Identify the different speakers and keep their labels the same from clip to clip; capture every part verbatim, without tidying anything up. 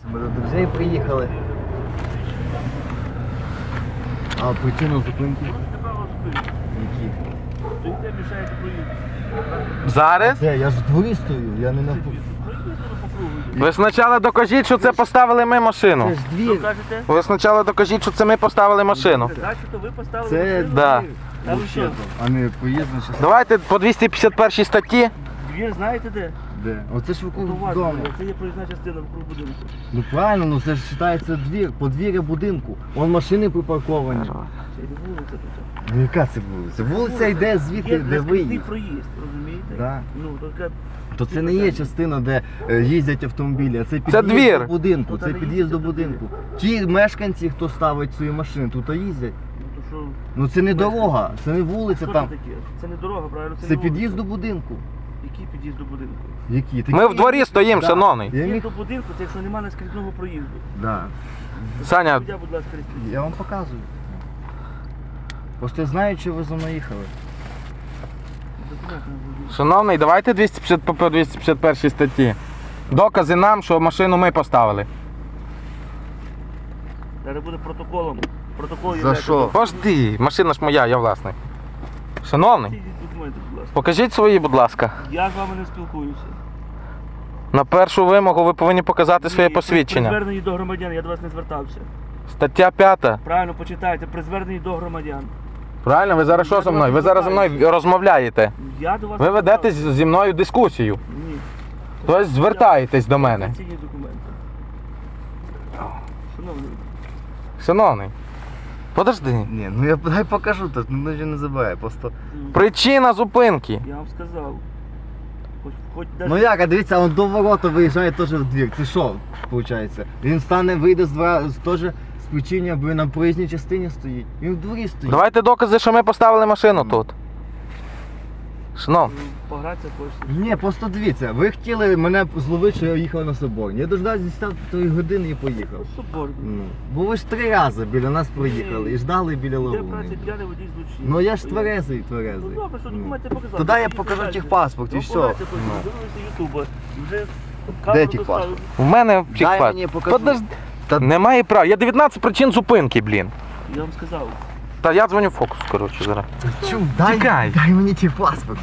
Speaker 1: Ми до друзей приїхали. А причина зупинки? Які?
Speaker 2: Стоїте, мішаєте проїзду.
Speaker 3: Зараз?
Speaker 1: Де? Я ж в дворі стою, я не на...
Speaker 3: Ви спочатку докажіть, що це поставили ми машину.
Speaker 1: Це ж
Speaker 2: Що
Speaker 1: двір.
Speaker 2: кажете?
Speaker 3: Ви спочатку докажіть, що це ми поставили машину.
Speaker 2: Значить, то ви поставили
Speaker 1: Це
Speaker 2: машину?
Speaker 3: Да.
Speaker 1: двір.
Speaker 2: Та ви що?
Speaker 1: А не поїздна частина.
Speaker 3: Давайте по двісті п'ятдесят першій статті.
Speaker 2: Двір знаєте де?
Speaker 1: Де? Оце ж вокруг
Speaker 2: То у вас
Speaker 1: дому.
Speaker 2: двір. Це є проїзна частина вокруг будинку.
Speaker 1: Ну правильно, ну це ж вважається двір, подвір'я будинку. Вон машини припарковані.
Speaker 2: Це йде вулиця тут.
Speaker 1: Ну яка це вулиця? Вулиця йде звідти,
Speaker 2: Є
Speaker 1: де
Speaker 2: наскрізний
Speaker 1: виїзд.
Speaker 2: проїзд, розумієте?
Speaker 1: Да.
Speaker 2: Ну, така...
Speaker 1: То це не є частина, де е, їздять автомобілі, а це під'їзд
Speaker 3: двір.
Speaker 1: до будинку.
Speaker 2: Тут
Speaker 1: Це
Speaker 2: не
Speaker 1: під'їзд до
Speaker 2: їздять
Speaker 1: будинку. Ті мешканці, хто ставить свої машини, тут їздять.
Speaker 2: Ну, то що...
Speaker 1: Ну це не дорога, це не вулиця
Speaker 2: Що
Speaker 1: там.
Speaker 2: це таке? Це не дорога, правильно?
Speaker 1: Це
Speaker 2: не вулиця.
Speaker 1: під'їзд до будинку.
Speaker 2: Який під'їзд до будинку?
Speaker 1: Які?
Speaker 3: Ми в дворі стоїмо,
Speaker 1: Да.
Speaker 3: шановний.
Speaker 1: Я
Speaker 2: Під'їзд
Speaker 1: міг...
Speaker 2: до будинку, це якщо немає наскрізного проїзду.
Speaker 1: Да.
Speaker 3: Саня,
Speaker 2: Суддя, будь ласка, реєструйте.
Speaker 1: Я вам показую. Просто я знаю, що ви за мною їхали.
Speaker 2: Документи на водія.
Speaker 3: шановний, давайте двісті п'ятдесят по двісті п'ятдесят першій статті. Докази нам, що машину ми поставили.
Speaker 2: Зараз буде протоколом. Протокол
Speaker 1: За
Speaker 2: є.
Speaker 1: що?
Speaker 3: Пожди, машина ж моя, я власник. Шановний,
Speaker 2: Ці документи, будь ласка.
Speaker 3: покажіть свої, будь ласка.
Speaker 2: Я з вами не спілкуюся.
Speaker 3: На першу вимогу ви повинні показати своє
Speaker 2: Ні, При
Speaker 3: посвідчення.
Speaker 2: зверненні до громадян, я до вас не звертався.
Speaker 3: Стаття п'ята.
Speaker 2: Правильно почитайте, при зверненні до громадян.
Speaker 3: Правильно, ви зараз що зі мною? Ви зараз зі мною розмовляєте.
Speaker 2: Я до вас
Speaker 3: Ви
Speaker 2: не
Speaker 3: ведете
Speaker 2: звертався.
Speaker 3: зі мною дискусію.
Speaker 2: Ні.
Speaker 3: Тобто звертаєтесь до мене.
Speaker 2: Ці документи. Шановний,
Speaker 3: Шановний, подожди.
Speaker 1: Ні, ну я дай покажу, то ну вже не забувай, просто.
Speaker 3: Причина зупинки.
Speaker 2: я вам сказав. Хоч, хоч
Speaker 1: Ну
Speaker 2: даже...
Speaker 1: як, а дивіться, он до ворота виїжджає теж в двір. Це що, виходить? Він стане, вийде з двора, з- теж з причини, бо він на проїзній частині стоїть. Він в дворі стоїть.
Speaker 3: Давайте докази, що ми поставили машину тут. Шановний.
Speaker 2: Погратися хочете.
Speaker 1: Ні, просто дивіться, ви хотіли мене зловити, що я їхав на Соборні. Я дождався десятої години і поїхав.
Speaker 2: Соборно.
Speaker 1: Ну, бо ви ж три рази біля нас проїхали і ждали біля
Speaker 2: Де
Speaker 1: лову.
Speaker 2: праці п'яний водій злочинний.
Speaker 1: Ну я ж
Speaker 2: Поїхали.
Speaker 1: тверезий,
Speaker 2: Ну
Speaker 1: тверезий.
Speaker 2: добре, що
Speaker 1: Ну.
Speaker 2: документи показали.
Speaker 1: Тоді я
Speaker 2: Поїдете
Speaker 1: покажу
Speaker 2: далі.
Speaker 1: техпаспорт і
Speaker 2: Ну,
Speaker 1: все.
Speaker 2: пограйте,
Speaker 1: Ну.
Speaker 2: Дивилися Ютуба. Вже
Speaker 1: Де
Speaker 2: камеру
Speaker 1: техпаспорт?
Speaker 2: доставили.
Speaker 3: В мене
Speaker 1: Дай
Speaker 3: чекпад.
Speaker 1: мені покажу.
Speaker 3: Подожди.
Speaker 1: Та-
Speaker 3: Немає права. Є дев'ятнадцять причин зупинки, блін.
Speaker 2: Я вам сказав.
Speaker 3: Та я дзвоню фокус, коротше, зараз.
Speaker 1: Чу, дай,
Speaker 3: Тікай.
Speaker 1: дай мені техпаспорт.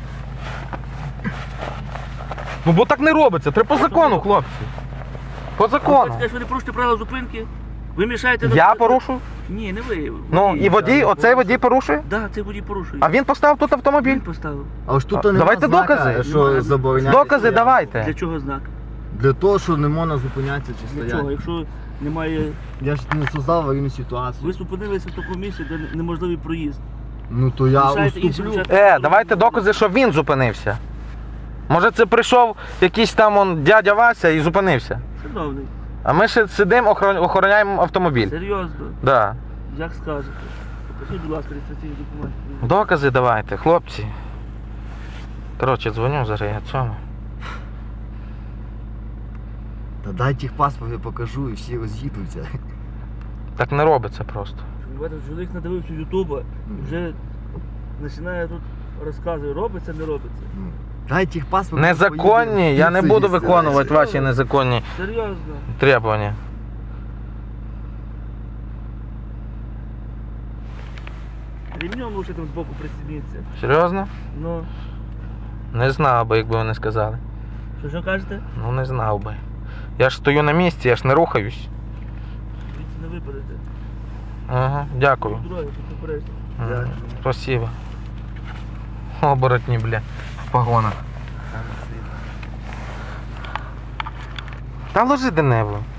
Speaker 3: Ну бо так не робиться, треба по закону, хлопці. По
Speaker 2: Ви
Speaker 3: закону.
Speaker 2: скажете, що ви не порушите правила зупинки? Ви мішаєте... на-
Speaker 3: Я порушую?
Speaker 2: Ні, не ви.
Speaker 3: Ну і водій, оцей водій порушує?
Speaker 2: Так, цей водій порушує.
Speaker 3: А він поставив тут автомобіль.
Speaker 2: Він поставив.
Speaker 1: А ж тут
Speaker 3: А,
Speaker 1: немає
Speaker 3: давайте
Speaker 1: знака,
Speaker 3: докази.
Speaker 1: що
Speaker 2: Немає.
Speaker 1: забороняє.
Speaker 3: Докази
Speaker 1: стояти.
Speaker 3: давайте.
Speaker 2: Для чого знак?
Speaker 1: Для того, що не можна зупинятися чи
Speaker 2: Для чого?
Speaker 1: стояти.
Speaker 2: Якщо немає...
Speaker 1: Я ж не создав аварійну ситуацію.
Speaker 2: Ви зупинилися в такому місці, де неможливий проїзд.
Speaker 1: Ну то я
Speaker 2: Мішаєте іншим
Speaker 1: уступлю.
Speaker 2: учасникам.
Speaker 3: Е, давайте докази, що він зупинився. Може це прийшов якийсь там он дядя Вася і зупинився.
Speaker 2: Шановний,
Speaker 3: А ми ще сидимо, охорон- охороняємо автомобіль.
Speaker 2: серйозно,
Speaker 3: Да.
Speaker 2: як скажете. Покажіть, будь ласка, реєстраційні документи.
Speaker 3: Докази давайте, хлопці. Коротше, дзвоню зараз я цьому.
Speaker 1: Та дай техпаспорт, я покажу і всі роз'їдуться.
Speaker 3: Так не робиться просто.
Speaker 2: Бачите, чоловік надивився Ютуба і вже починає тут розказує, робиться, не робиться.
Speaker 1: Дай техпаспорт.
Speaker 3: Незаконні, я не буду виконувати ваші незаконні
Speaker 2: Серйозно.
Speaker 3: требування.
Speaker 2: Ремнем лучше там збоку пристібніться.
Speaker 3: Серйозно?
Speaker 2: Ну,
Speaker 3: Не знав би, якби вони сказали.
Speaker 2: що що кажете?
Speaker 3: Ну не знав би. Я ж стою на місці, я ж не рухаюсь.
Speaker 2: Звідси не випадете.
Speaker 3: Ага, дякую.
Speaker 2: Дороги, тут попередження.
Speaker 3: Ага, спасибо. Оборотні, бля, в погонах. Та ложи де-небудь.